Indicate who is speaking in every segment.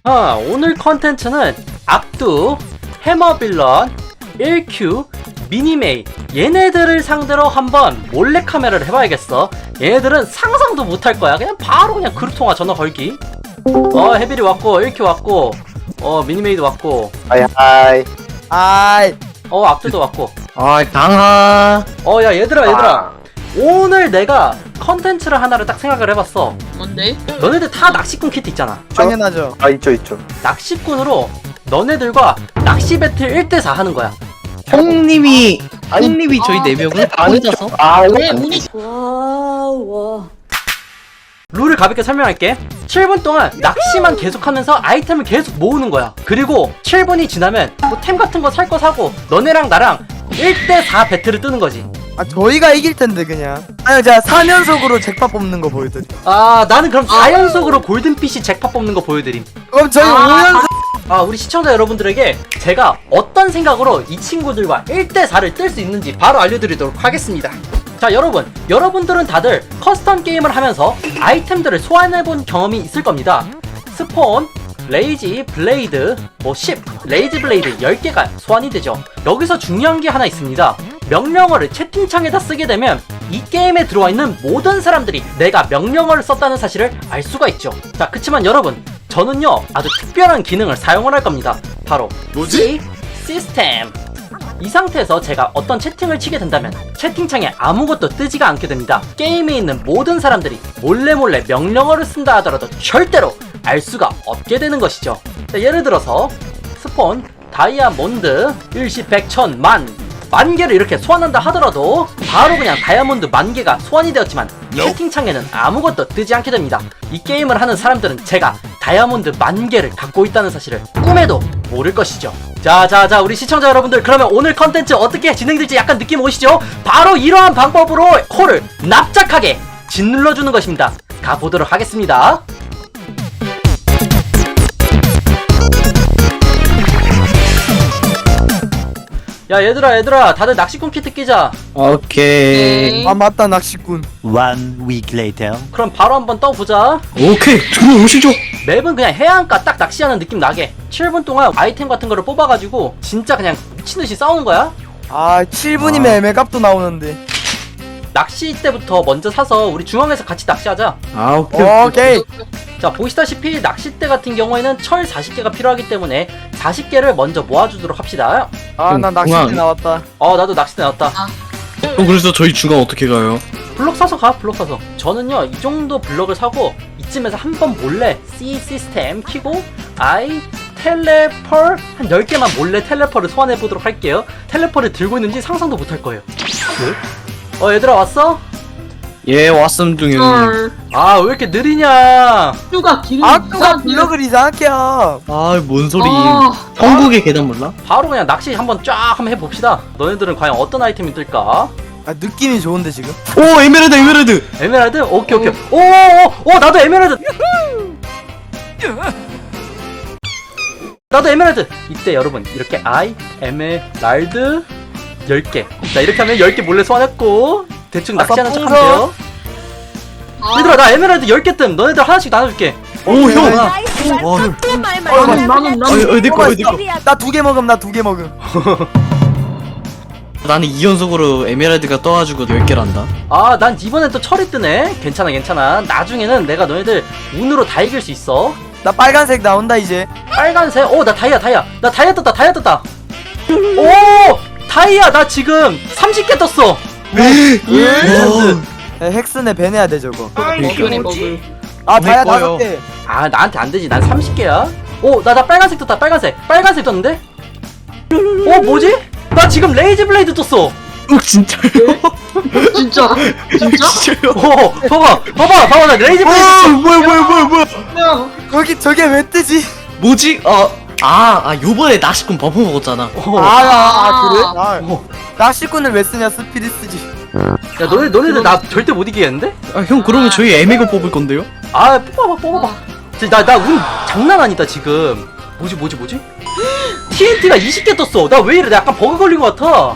Speaker 1: 오늘 컨텐츠는 악두, 해머빌런, 1Q, 미니메이 얘네들을 상대로 한번 몰래카메라를 해봐야겠어. 얘네들은 상상도 못할 거야. 그냥 바로 그냥 그룹통화 전화 걸기. 해빌이 왔고 1Q 왔고 미니메이도 왔고
Speaker 2: 하이.
Speaker 1: 악두도 왔고
Speaker 3: 강하.
Speaker 1: 야 얘들아 오늘 내가 컨텐츠를 하나를 딱 생각을 해봤어.
Speaker 4: 뭔데?
Speaker 1: 너네들 다 낚시꾼 키트 있잖아.
Speaker 2: 당연하죠. 있죠.
Speaker 1: 낚시꾼으로 너네들과 낚시 배틀 1대4 하는 거야.
Speaker 3: 형님이 저희 4명을 다 혼자서?
Speaker 4: 왜 운이
Speaker 1: 룰을 가볍게 설명할게. 7분 동안 낚시만 계속하면서 아이템을 계속 모으는 거야. 그리고 7분이 지나면 뭐 템 같은 거 살 거 사고 너네랑 나랑 1대4 배틀을 뜨는 거지.
Speaker 5: 저희가 이길 텐데 그냥. 제가 4연속으로 잭팟 뽑는 거 보여드림.
Speaker 1: 나는 그럼 4연속으로 골든피쉬 잭팟 뽑는 거 보여드림.
Speaker 5: 그럼 저희 5연속.
Speaker 1: 우리 시청자 여러분들에게 제가 어떤 생각으로 이 친구들과 1대4를 뜰 수 있는지 바로 알려드리도록 하겠습니다. 자, 여러분들은 다들 커스텀 게임을 하면서 아이템들을 소환해본 경험이 있을 겁니다. 스폰, 레이지 블레이드, 10, 레이지 블레이드 10개가 소환이 되죠. 여기서 중요한 게 하나 있습니다. 명령어를 채팅창에다 쓰게 되면 이 게임에 들어와 있는 모든 사람들이 내가 명령어를 썼다는 사실을 알 수가 있죠. 자, 그치만 여러분, 저는요 아주 특별한 기능을 사용을 할 겁니다. 바로 뭐지? 시스템. 이 상태에서 제가 어떤 채팅을 치게 된다면 채팅창에 아무것도 뜨지가 않게 됩니다. 게임에 있는 모든 사람들이 몰래 명령어를 쓴다 하더라도 절대로 알 수가 없게 되는 것이죠. 자, 예를 들어서 스폰, 다이아몬드, 일시, 백, 천, 만 개를 이렇게 소환한다 하더라도 바로 그냥 다이아몬드 10,000개가 소환이 되었지만 채팅창에는 아무것도 뜨지 않게 됩니다. 이 게임을 하는 사람들은 제가 다이아몬드 10,000개를 갖고 있다는 사실을 꿈에도 모를 것이죠. 자 우리 시청자 여러분들, 그러면 오늘 컨텐츠 어떻게 진행될지 약간 느낌 오시죠? 바로 이러한 방법으로 코를 납작하게 짓눌러주는 것입니다. 가보도록 하겠습니다. 야 얘들아 다들 낚시꾼 키트 끼자.
Speaker 3: 오케이.
Speaker 5: 맞다, 낚시꾼.
Speaker 6: 1 week later.
Speaker 1: 그럼 바로 한번 떠보자.
Speaker 3: 오케이. 들어오시죠.
Speaker 1: 맵은 그냥 해안가 딱 낚시하는 느낌 나게 7분 동안 아이템 같은 거를 뽑아가지고 진짜 그냥 미친듯이 싸우는 거야.
Speaker 5: 7분이면 애매값도 나오는데.
Speaker 1: 낚시 때부터 먼저 사서 우리 중앙에서 같이 낚시하자.
Speaker 5: 오케이.
Speaker 1: 자, 보시다시피 낚싯대 같은 경우에는 철 40개가 필요하기 때문에 40개를 먼저 모아주도록 합시다.
Speaker 5: 나 낚싯대
Speaker 3: 공항.
Speaker 5: 나왔다.
Speaker 1: 나도 낚싯대 나왔다.
Speaker 3: 그래서 저희 중간 어떻게 가요?
Speaker 1: 블럭 사서 가. 블럭 사서. 저는요 이 정도 블럭을 사고 이쯤에서 한번 몰래 C 시스템 키고 텔레펄 한 10개만 몰래 텔레펄을 소환해보도록 할게요. 텔레펄을 들고 있는지 상상도 못할 거예요. 얘들아 왔어?
Speaker 3: 예, 왔음 중에.
Speaker 4: 헐
Speaker 1: 왜 이렇게 느리냐.
Speaker 4: 슈가 기름
Speaker 5: 아까 블럭을 이상하게 함.
Speaker 3: 뭔 소리.
Speaker 4: 아.
Speaker 3: 천국의 계단 몰라?
Speaker 1: 바로 그냥 낚시 한번 쫙 한번 해봅시다. 너네들은 과연 어떤 아이템이 뜰까?
Speaker 5: 느낌이 좋은데 지금.
Speaker 3: 오, 에메랄드.
Speaker 1: 에메랄드? 오케이. 나도 에메랄드. 나도 에메랄드. 이때 여러분 이렇게 에메랄드 10개. 자, 이렇게 하면 10개 몰래 소환했고 대충 낚시하는 척 하면 돼요. 얘들아 나 에메랄드 10개 뜸. 너네들 하나씩 나눠줄게.
Speaker 3: 오, 형.
Speaker 4: 나는
Speaker 3: 내 거.
Speaker 5: 나 2개 먹음.
Speaker 3: 나는 2연속으로 에메랄드가 떠가지고 10개를 한다.
Speaker 1: 난 이번엔 또 철이 뜨네. 괜찮아. 나중에는 내가 너네들 운으로 다 이길 수 있어.
Speaker 5: 나 빨간색 나온다 이제.
Speaker 1: 빨간색. 나 다이아. 나 다이아 떴다. 다이아 나 지금 30개 떴어.
Speaker 5: 헥스네 배내야 돼 저거.
Speaker 4: 버블이
Speaker 5: 다이아
Speaker 3: 거요.
Speaker 5: 5개.
Speaker 1: 나한테 안 되지. 난 30개야. 나 빨간색 떴다. 빨간색 떴는데? 뭐지? 나 지금 레이지 블레이드 떴어.
Speaker 3: 진짜요?
Speaker 4: 진짜
Speaker 3: 진짜요?
Speaker 1: 봐봐. 나 레이지 블레이드 떴어.
Speaker 3: 뭐야.
Speaker 5: 거기 저게 왜 뜨지?
Speaker 3: 뭐지? 요번에 낚시꾼 버프 먹었잖아.
Speaker 5: 그래? 낚시꾼을 왜 쓰냐? 스피드 쓰지.
Speaker 1: 야, 너네들 나 절대 못 이기겠는데?
Speaker 3: 형, 그러면 저희 에메가 뽑을 건데요?
Speaker 1: 뽑아봐. 나 운 장난 아니다, 지금. 뭐지? TNT가 20개 떴어. 나 왜 이래? 나 약간 버그 걸린 것 같아.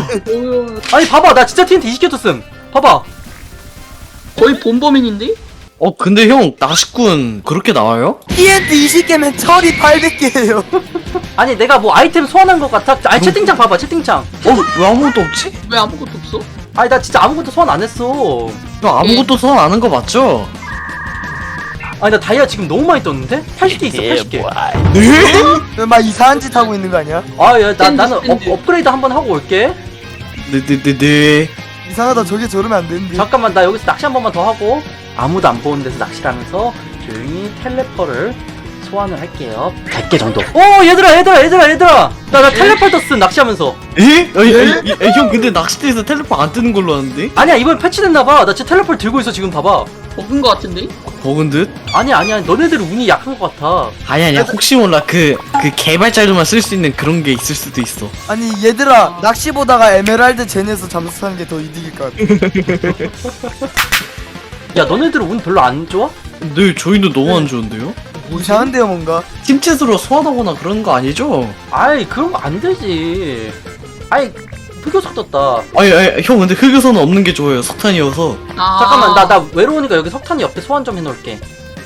Speaker 1: 아니, 봐봐. 나 진짜 TNT 20개 떴음. 봐봐.
Speaker 4: 거의 본범인인데?
Speaker 3: 근데 형 낚시꾼 그렇게 나와요?
Speaker 5: TNT 20개면 철이 800개예요.
Speaker 1: 아니 내가 뭐 아이템 소환한 것 같아? 아니 채팅창 봐봐 채팅창.
Speaker 3: 왜 아무것도 없지?
Speaker 4: 왜 아무것도 없어?
Speaker 1: 아니 나 진짜 아무것도 소환 안 했어.
Speaker 3: 형 아무것도 소환 안 한 거 맞죠?
Speaker 1: 아니 나 다이아 지금 너무 많이 떴는데? 80개 있어 80개.
Speaker 3: 네?
Speaker 5: 막 이상한 짓 하고 있는 거 아니야?
Speaker 1: 나는
Speaker 4: 샌드.
Speaker 1: 업그레이드 한번 하고 올게.
Speaker 3: 네네네네.
Speaker 5: 이상하다. 저게 저러면 안 되는데.
Speaker 1: 잠깐만 나 여기서 낚시 한 번만 더 하고 아무도 안 보는 데서 낚시를 하면서 조용히 텔레퍼를 소환을 할게요. 100개 정도. 오 얘들아 나 텔레퍼 떴음 낚시하면서.
Speaker 3: 에? 형 근데 낚시대에서 텔레포 안 뜨는 걸로 아는데?
Speaker 1: 아니야 이번 패치됐나봐. 나 진짜 텔레퍼 들고 있어 지금 봐봐.
Speaker 4: 먹은 거 같은데?
Speaker 3: 버근 듯?
Speaker 1: 아니야 너네들 운이 약한 것 같아.
Speaker 3: 아니야 혹시 몰라 그 개발자들만 쓸 수 있는 그런 게 있을 수도 있어.
Speaker 5: 아니 얘들아 낚시 보다가 에메랄드 젠에서 잠수 타는 게 더 이득일 것 같아.
Speaker 1: 야 너네들 운 별로 안 좋아?
Speaker 3: 네 저희도 너무 안 좋은데요?
Speaker 5: 이상한데요 뭔가.
Speaker 3: 팀챗으로 소환하거나 그런 거 아니죠?
Speaker 1: 아이 그런 거 안 되지. 아이 흑요석 떴다.
Speaker 3: 아니 형 근데 흑요소는 없는 게 좋아요. 석탄이어서.
Speaker 4: 아.
Speaker 1: 잠깐만 나 외로우니까 여기 석탄이 옆에 소환 좀 해놓을게.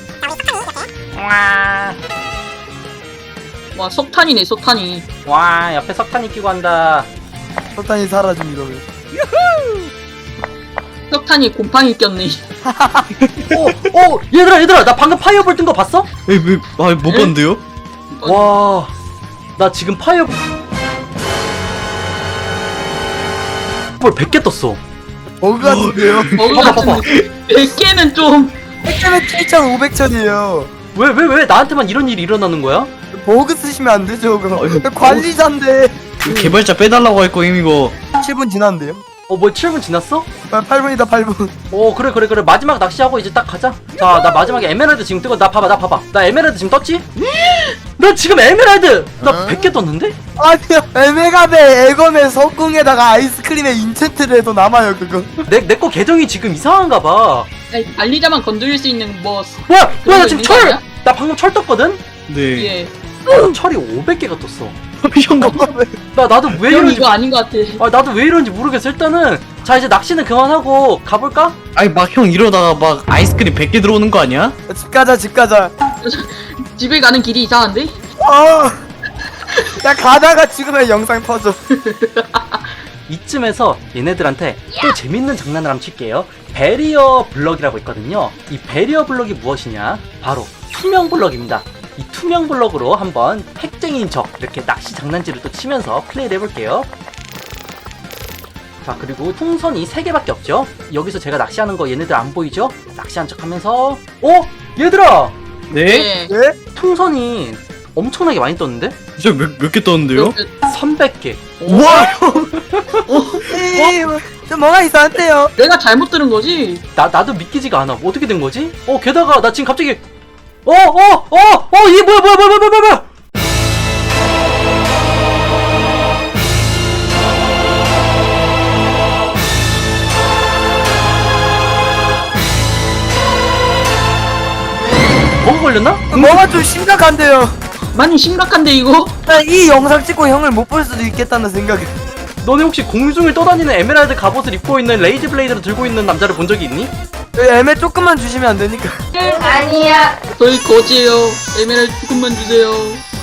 Speaker 4: 와 석탄이네 석탄이.
Speaker 1: 와 옆에 석탄이 끼고 한다.
Speaker 5: 석탄이 사라짐 이러면.
Speaker 4: 석탄이 곰팡이 꼈네.
Speaker 1: 오 얘들아 나 방금 파이어볼 뜬 거 봤어?
Speaker 3: 못 봤는데요?
Speaker 1: 와 나 지금 파이어볼 100개 떴어.
Speaker 5: 버그 같은데요?
Speaker 4: 버그
Speaker 1: 봐봐.
Speaker 4: 같은데 100개는 좀.
Speaker 5: 100개면 7,500천이에요.
Speaker 1: 왜 나한테만 이런 일이 일어나는 거야?
Speaker 5: 버그 쓰시면 안 되죠 그거.
Speaker 3: 이거
Speaker 5: 관리자인데.
Speaker 3: 개발자 빼달라고 할 거임 이거.
Speaker 5: 7분 지났는데요?
Speaker 1: 뭐 7분 지났어?
Speaker 5: 8분이다 8분.
Speaker 1: 그래 마지막 낚시하고 이제 딱 가자. 자 나 마지막에 에메랄드 지금 뜨고 나 봐봐 나 에메랄드 지금 떴지? 나 지금 에메랄드 나 100개 떴는데?
Speaker 5: 아니요 에메가베 에검에 석궁에다가 아이스크림에 인챈트를 해도 남아요 그거.
Speaker 1: 내 거 계정이 지금 이상한가 봐.
Speaker 4: 아니, 관리자만 건드릴 수 있는 뭐.
Speaker 1: 나
Speaker 4: 그런 거
Speaker 1: 지금
Speaker 4: 있는 거 아니야?
Speaker 1: 나 방금 철 떴거든?
Speaker 3: 네.
Speaker 4: 예.
Speaker 1: 나 철이 500개가 떴어.
Speaker 3: 형
Speaker 1: 나도 왜
Speaker 4: 형
Speaker 1: 이런지
Speaker 4: 이거 아닌 것 같아.
Speaker 1: 나도 왜 이런지 모르겠어. 일단은 자 이제 낚시는 그만하고 가볼까?
Speaker 3: 아니 막 형 이러다가 막 아이스크림 100개 들어오는 거 아니야?
Speaker 5: 집 가자.
Speaker 4: 집에 가는 길이 이상한데?
Speaker 5: 야 가다가 죽으면 영상 터져.
Speaker 1: 이쯤에서 얘네들한테 또 재밌는 장난을 한번 칠게요. 베리어 블럭이라고 있거든요. 이 베리어 블럭이 무엇이냐? 바로 투명 블럭입니다. 이 투명 블럭으로 한번 핵쟁이인 척 이렇게 낚시 장난질을 또 치면서 플레이를 해볼게요. 자 그리고 풍선이 3개밖에 없죠. 여기서 제가 낚시하는 거 얘네들 안 보이죠? 낚시한 척 하면서 얘들아!
Speaker 3: 네?
Speaker 5: 네?
Speaker 1: 풍선이 엄청나게 많이 떴는데?
Speaker 3: 진짜 몇 개 떴는데요?
Speaker 1: 300개.
Speaker 3: 와 형!
Speaker 5: 좀 뭐가 이상한데요?
Speaker 4: 내가 잘못 들은 거지?
Speaker 1: 나도 믿기지가 않아. 어떻게 된 거지? 게다가 나 지금 갑자기 이게 뭐야? 버그 걸렸나?
Speaker 5: 뭐가 좀 심각한데요.
Speaker 4: 많이 심각한데 이거?
Speaker 5: 나 이 영상 찍고 형을 못 볼 수도 있겠다는 생각이.
Speaker 1: 너네 혹시 공중을 떠다니는 에메랄드 갑옷을 입고 있는 레이지 블레이드를 들고 있는 남자를 본 적이 있니?
Speaker 5: 애매 조금만 주시면 안 되니까.
Speaker 4: 저희 거지예요. 에메랄드 조금만 주세요.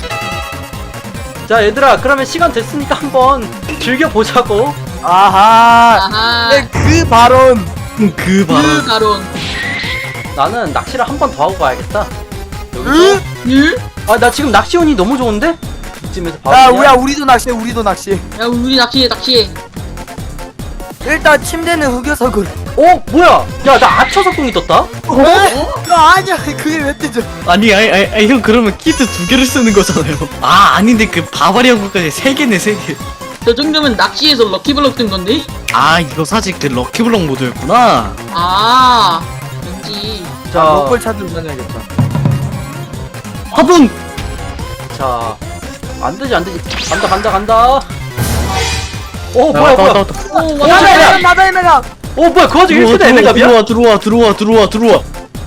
Speaker 1: 자 얘들아 그러면 시간 됐으니까 한번 즐겨보자고.
Speaker 5: 아하.
Speaker 4: 아하.
Speaker 5: 네, 그 발언.
Speaker 3: 그 바로
Speaker 4: 그 가론.
Speaker 1: 나는 낚시를 한 번 더 하고 가야겠다. 여기서
Speaker 5: 응?
Speaker 4: 응?
Speaker 1: 나 지금 낚시 운이 너무 좋은데? 이쯤에서 바로
Speaker 5: 야,
Speaker 1: 그냥-
Speaker 5: 우리도 낚시해, 우리도 낚시.
Speaker 4: 야 우리 낚시해.
Speaker 5: 일단 침대는 흑요석으로.
Speaker 1: 뭐야? 야 나 아처 석궁이 떴다?
Speaker 5: 아니야, 그게 왜 뜨죠?
Speaker 3: 아니 형 그러면 키트 2개를 쓰는 거잖아요. 아닌데 그 바바리안 것까지 3개네 3개.
Speaker 4: 저 정도면 낚시에서 럭키블럭 뜬 건데?
Speaker 3: 이거 사실 그 럭키블럭 모드였구나.
Speaker 4: 아 왠지.
Speaker 1: 자,
Speaker 5: 로컬 차들 다녀야겠다.
Speaker 3: 화분!
Speaker 1: 자, 안 되지. 간다. 뭐야.
Speaker 3: 왔다.
Speaker 4: 오
Speaker 1: 야, 야, 야.
Speaker 5: 나다 애매가.
Speaker 1: 뭐야, 그 와중에 1세대 에메갑이야?
Speaker 3: 들어와.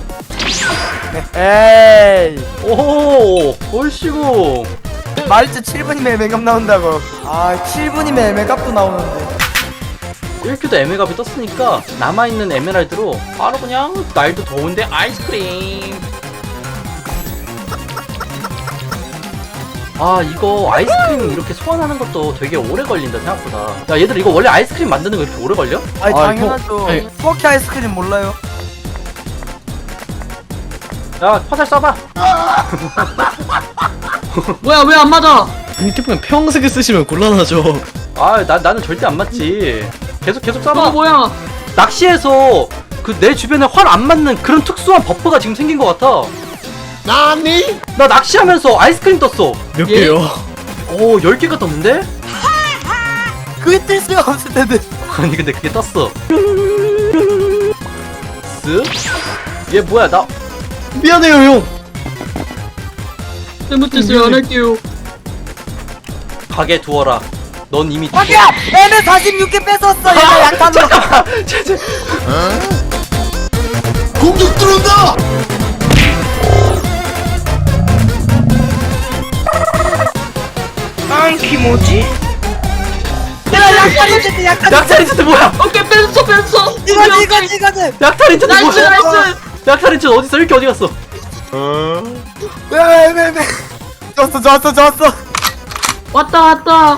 Speaker 5: 에이.
Speaker 1: 오호, 얼씨구.
Speaker 5: 말했지 7분이면 애매갑 나온다고. 7분이면 애매갑도 나오는데.
Speaker 1: 1큐도 에메갑이 떴으니까 남아있는 에메랄드로 바로 그냥 날도 더운데 아이스크림. 아 이거 아이스크림 이렇게 소환하는 것도 되게 오래 걸린다 생각보다. 야 얘들 이거 원래 아이스크림 만드는 거 이렇게 오래 걸려?
Speaker 5: 아니
Speaker 3: 아,
Speaker 5: 당연하죠.
Speaker 3: 아니.
Speaker 5: 스모키 아이스크림 몰라요?
Speaker 1: 야 화살 쏴봐.
Speaker 4: 뭐야 왜 안 맞아?
Speaker 3: 이 태풍은 평색을 쓰시면 곤란하죠.
Speaker 1: 아 나는 절대 안 맞지. 계속 쏴봐.
Speaker 4: 뭐야?
Speaker 1: 낚시에서 그 내 주변에 활 안 맞는 그런 특수한 버프가 지금 생긴 것 같아. 나니? 나 낚시하면서 아이스크림 떴어.
Speaker 3: 몇
Speaker 4: 예?
Speaker 3: 개요?
Speaker 1: 오 10개가 떴는데?
Speaker 5: 그게 뜰 수가 없을 텐데.
Speaker 1: 아니 근데 그게 떴어. 쓱? 얘 뭐야 나
Speaker 3: 미안해요 형.
Speaker 4: 잘못했어요 안 할게요.
Speaker 1: 가게 두어라. 넌 이미
Speaker 5: 자기야! 애매 46개 뺏었어! 얘가 약탄으로!
Speaker 6: 공격 들어온다!
Speaker 5: 내가 약탄인데 약탄!
Speaker 1: 약탈 인챈트 뭐야?
Speaker 4: 오케이 뺐어.
Speaker 5: 이거지!
Speaker 1: 약탈 인챈트
Speaker 4: 나이스
Speaker 1: 뭐야?
Speaker 4: 나이스.
Speaker 1: 약탈 인챈트 어딨어? 이렇게 어디 갔어?
Speaker 5: 야, 애매! 좋았어!
Speaker 4: 왔다.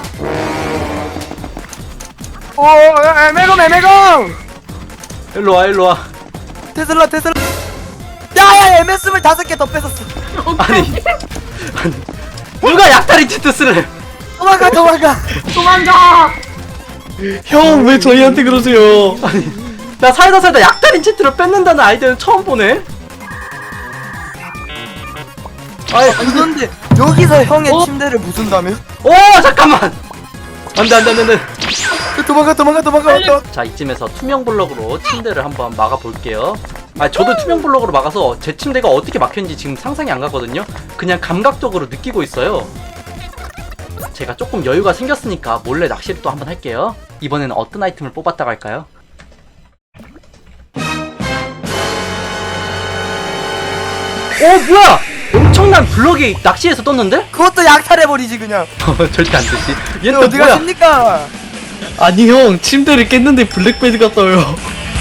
Speaker 5: 애매검!
Speaker 1: 일로 와.
Speaker 5: 테슬라! 야, 애매 25개 더 뺏었어!
Speaker 1: 아니 누가 약탈 인챈트 쓰래?
Speaker 5: 도망가!
Speaker 4: 도망가.
Speaker 3: 형 왜 저희한테 그러세요?
Speaker 1: 나 살다 약탈 인챈트를 뺏는다는 아이디어는 처음 보네. 아이
Speaker 5: 그런데 여기서 형의
Speaker 4: 어?
Speaker 5: 침대를 부순다며?
Speaker 1: 오 잠깐만. 안돼.
Speaker 5: 도망가!
Speaker 1: 자 이쯤에서 투명 블럭으로 침대를 한번 막아볼게요. 아 저도 투명 블럭으로 막아서 제 침대가 어떻게 막혔는지 지금 상상이 안 가거든요. 그냥 감각적으로 느끼고 있어요. 제가 조금 여유가 생겼으니까 몰래 낚시를 또 한번 할게요. 이번에는 어떤 아이템을 뽑았다고 할까요? 뭐야! 엄청난 블럭이 낚시에서 떴는데?
Speaker 5: 그것도 약탈해버리지 그냥.
Speaker 1: 절대 안 되지. 얘는
Speaker 5: 얘
Speaker 1: 또
Speaker 5: 어디
Speaker 1: 뭐야?
Speaker 5: 가십니까?
Speaker 3: 아니 형 침대를 깼는데 블랙베드가 떠요.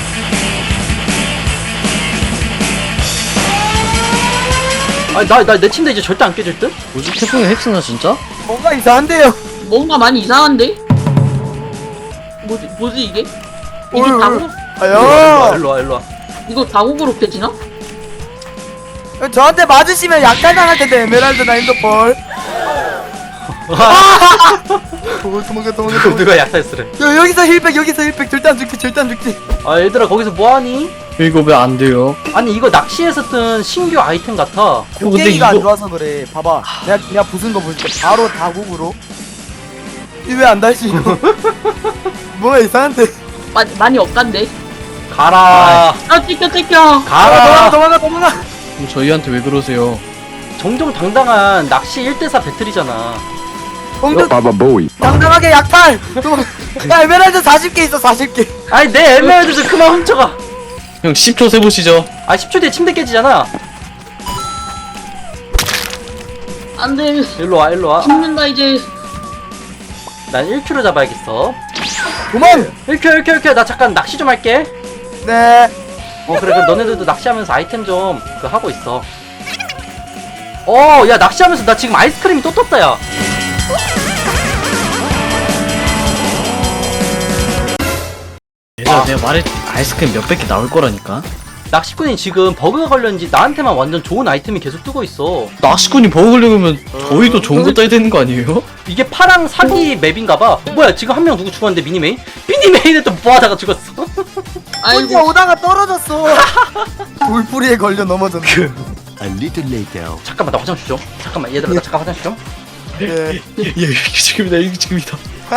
Speaker 1: 나 내 침대 이제 절대 안 깨질 듯?
Speaker 3: 뭐지 태풍이 핵쓰나 진짜?
Speaker 5: 뭔가 이상한데요.
Speaker 4: 뭔가 많이 이상한데? 뭐지 이게? 이게
Speaker 5: 어이,
Speaker 4: 다국?
Speaker 5: 아야.
Speaker 1: 일로와.
Speaker 4: 이거 다국으로 펴지나?
Speaker 5: 저한테 맞으시면 약탈 당할 텐데 에메랄드나 핸드폰. 도망가.
Speaker 1: 누가 약탈 쓰래?
Speaker 5: 여기서 힐백 절대 안 죽지.
Speaker 1: 아 얘들아 거기서 뭐하니?
Speaker 3: 이거 왜 안 돼요?
Speaker 1: 아니 이거 낚시에서 뜬 신규 아이템 같아.
Speaker 3: 근데
Speaker 5: 곡괭이가 안
Speaker 3: 이거-
Speaker 5: 좋아서 그래. 봐봐. 내가 부순 거 보여줄게. 바로 다국으로. 이 왜 안 달지 이거? 뭐가 이상한데?
Speaker 4: 많이 억간데?
Speaker 1: 가라.
Speaker 4: 아 찢겨.
Speaker 1: 가라.
Speaker 5: 도망가.
Speaker 3: 그럼 저희한테 왜 그러세요?
Speaker 1: 정정당당한 낚시 1대4 배틀이잖아.
Speaker 5: 당당하게 약탈. 야 에메랄드 40개 있어 40개.
Speaker 1: 아니 내 에메랄드 좀 그만 훔쳐가.
Speaker 3: 형 10초 세보시죠.
Speaker 1: 아 10초 뒤에 침대 깨지잖아.
Speaker 4: 안돼.
Speaker 1: 일로와.
Speaker 4: 죽는다 이제.
Speaker 1: 난 1큐로 잡아야겠어.
Speaker 5: 도망.
Speaker 1: 1큐. 나 잠깐 낚시 좀 할게.
Speaker 5: 네.
Speaker 1: 그래 그럼 너네들도 낚시하면서 아이템 좀 그 하고 있어. 야 낚시하면서 나 지금 아이스크림이 또 떴다 야.
Speaker 3: 얘들아 내가 말했지 아이스크림 몇백 개 나올 거라니까.
Speaker 1: 낚시꾼이 지금 버그가 걸렸는지 나한테만 완전 좋은 아이템이 계속 뜨고 있어.
Speaker 3: 낚시꾼이 버거 걸려면 저희도 좋은 거 따야 되는 거 아니에요?
Speaker 1: 이게 파랑 사기 맵인가봐. 뭐야 지금 한 명 누구 죽었는데 미니메인? 미니메인에 또 뭐하다가 죽었어.
Speaker 5: 혼자
Speaker 4: 아이고
Speaker 5: 오다가 떨어졌어. 돌뿌리에 걸려 넘어졌네.
Speaker 6: A little later.
Speaker 1: 잠깐만 나 화장실 좀. 잠깐만 얘들아 나 잠깐 화장실 좀.
Speaker 5: 예.
Speaker 3: 이게 지금이다.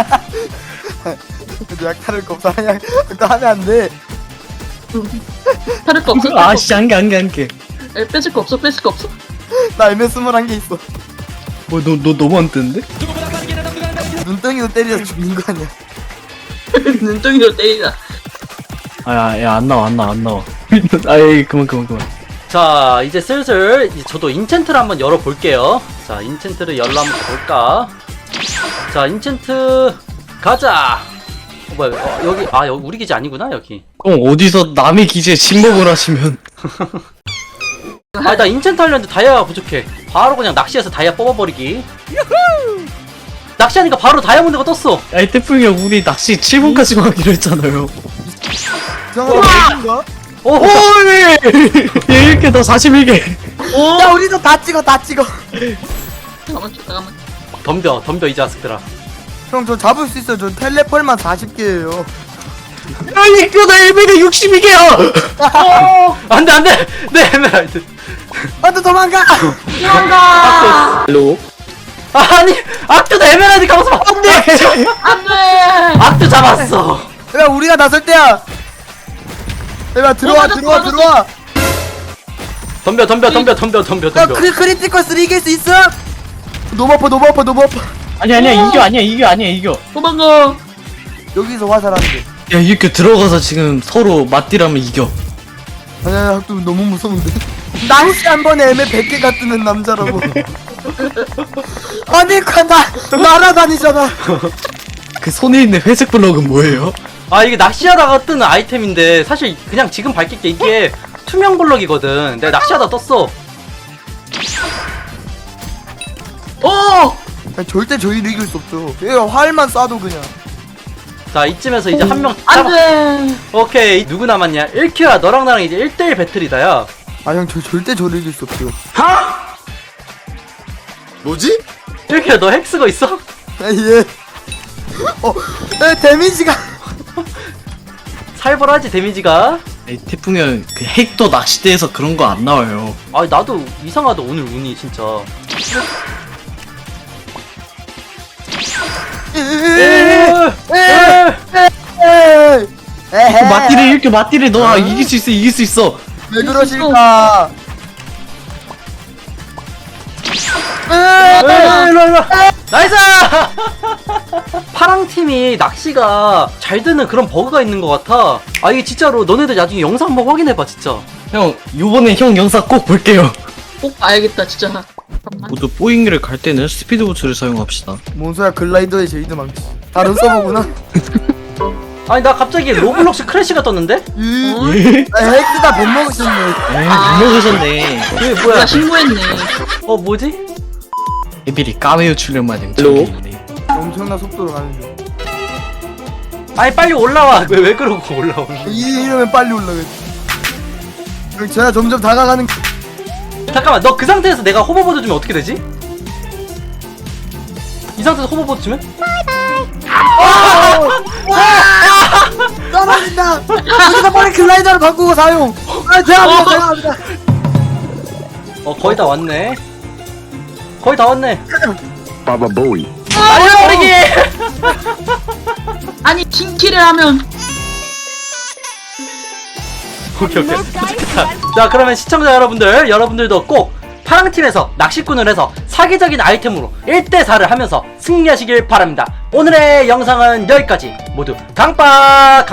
Speaker 5: 근데 약탈을 겁사 그냥 그거 하면 안 돼.
Speaker 4: 탈을 거 없어.
Speaker 3: 아씨 한개
Speaker 4: 뺏을 거 없어.
Speaker 5: 나 애매 21개 있어.
Speaker 3: 너 너무 안 뜨는데?
Speaker 5: 눈덩이로 때리려 죽는 거 아니야?
Speaker 4: 눈덩이로 때리자.
Speaker 3: 안 나와 아이 그만
Speaker 1: 자 이제 슬슬 저도 인챈트를 한번 열어볼게요. 자 인챈트를 열러 한번 볼까. 자 인챈트 가자. 뭐야 여기 아 여기 우리 기지 아니구나 여기.
Speaker 3: 형 어디서 남의 기지에 침묵을 하시면
Speaker 1: 아 나 인챈트 하려는데 다이아가 부족해. 바로 그냥 낚시해서 다이아 뽑아버리기. 낚시하니까 바로 다이아몬드가 떴어.
Speaker 3: 야이 태풍이 형 우리 낚시 7분까지만 하기로 했잖아요.
Speaker 5: 이상한 거
Speaker 1: 오,
Speaker 3: 오네. 얘 1개 더 41개.
Speaker 5: 야 우리도 다 찍어 다 찍어.
Speaker 4: 잠깐만.
Speaker 1: 덤벼 이 자식들아.
Speaker 5: 형 저 잡을 수 있어요. 저 텔레폴만 40개예요.
Speaker 3: 야 이거 나 에메가 62개야.
Speaker 1: 안돼 내 에메랄드.
Speaker 5: 안돼 도망가.
Speaker 3: 헬로.
Speaker 1: 아니 악두도 에메랄드 가면서 안돼.
Speaker 4: 안돼.
Speaker 1: 악두 잡았어.
Speaker 5: 야 우리가 나설 때야. 야 들어와 들어와 들어와.
Speaker 1: 덤벼.
Speaker 5: 야 크리티컬 3 이길 수 있어? 너무 아파.
Speaker 3: 아니야 이겨.
Speaker 4: 도망가.
Speaker 5: 여기서 화살하는데.
Speaker 3: 야 이렇게 들어가서 지금 서로 맞디라면 이겨.
Speaker 5: 아니야 학도 너무 무서운데. 낚시 한 번에 애매 100개가 뜨는 남자라고. 아니 나 날아다니잖아.
Speaker 3: 그 손에 있는 회색 블럭은 뭐예요?
Speaker 1: 아 이게 낚시하다가 뜨는 아이템인데 사실 그냥 지금 밝힐게 이게 투명 블럭이거든. 내가 낚시하다 떴어.
Speaker 5: 아니, 절대 저희를 이길 수 없죠. 얘가 활만 쏴도 그냥.
Speaker 1: 자 이쯤에서 이제 한 명 잡아.
Speaker 4: 안돼.
Speaker 1: 오케이 누구 남았냐? 1큐야 너랑 나랑 이제 1대1 배틀이다야.
Speaker 5: 아 형 저 절대 저를 이길 수 없죠.
Speaker 6: 뭐지?
Speaker 1: 1큐야 너 핵 쓰고 있어?
Speaker 5: 아 예. 데미지가.
Speaker 1: 살벌하지 데미지가.
Speaker 3: 이 태풍이 형그 핵도 낚시대에서 그런 거 안 나와요.
Speaker 1: 아 나도 이상하다 오늘 운이 진짜.
Speaker 5: 에헤.
Speaker 3: 이렇게 맞디를 너 이길 수 있어.
Speaker 5: 왜 그러실까?
Speaker 1: 일로 나이스. 파랑 팀이 낚시가 잘 되는 그런 버그가 있는 것 같아. 아 이게 진짜로 너네들 나중에 영상 한번 확인해봐 진짜.
Speaker 3: 형 요번에 형 영상 꼭 볼게요.
Speaker 4: 꼭 봐야겠다 진짜. 잠깐만.
Speaker 3: 모두 뽀잉이를 갈 때는 스피드 부츠를 사용합시다.
Speaker 5: 뭔 소야 글라이더에 제이드 망치. 다른 서버구나.
Speaker 1: 아니 나 갑자기 로블록스 크래시가 떴는데?
Speaker 5: 헥스다 못 먹으셨네.
Speaker 3: 못 먹으셨네.
Speaker 1: 이게
Speaker 4: 내가
Speaker 1: 뭐야?
Speaker 4: 신고했네.
Speaker 1: 뭐지?
Speaker 3: 애들이 까메오 출연만 하면 저기
Speaker 5: 엄청난 속도로 가는 중.
Speaker 1: 아니 빨리 올라와. 왜 그러고 올라오는?
Speaker 5: 이러면 빨리 올라가지. 형 제가 점점 다가가는.
Speaker 1: 잠깐만 너 그 상태에서 내가 호버보드 주면 어떻게 되지? 이 상태에서 호버보드 주면?
Speaker 5: 떨어진다. 여기서 빨리 글라이더를 바꾸고 사용. 죄송합니다.
Speaker 1: 거의 다 왔네. 거의 다 왔네.
Speaker 6: Baba Bowie.
Speaker 1: 날려버리기.
Speaker 4: 아니 킹키를 하면
Speaker 1: 오케이. 자 그러면 시청자 여러분들도 꼭 파랑팀에서 낚시꾼을 해서 사기적인 아이템으로 1대4를 하면서 승리하시길 바랍니다. 오늘의 영상은 여기까지. 모두 강빠.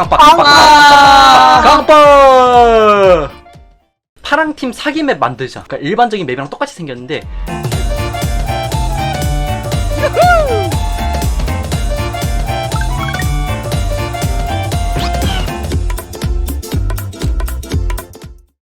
Speaker 1: 파랑팀 사기 맵 만들자. 그러니까 일반적인 맵이랑 똑같이 생겼는데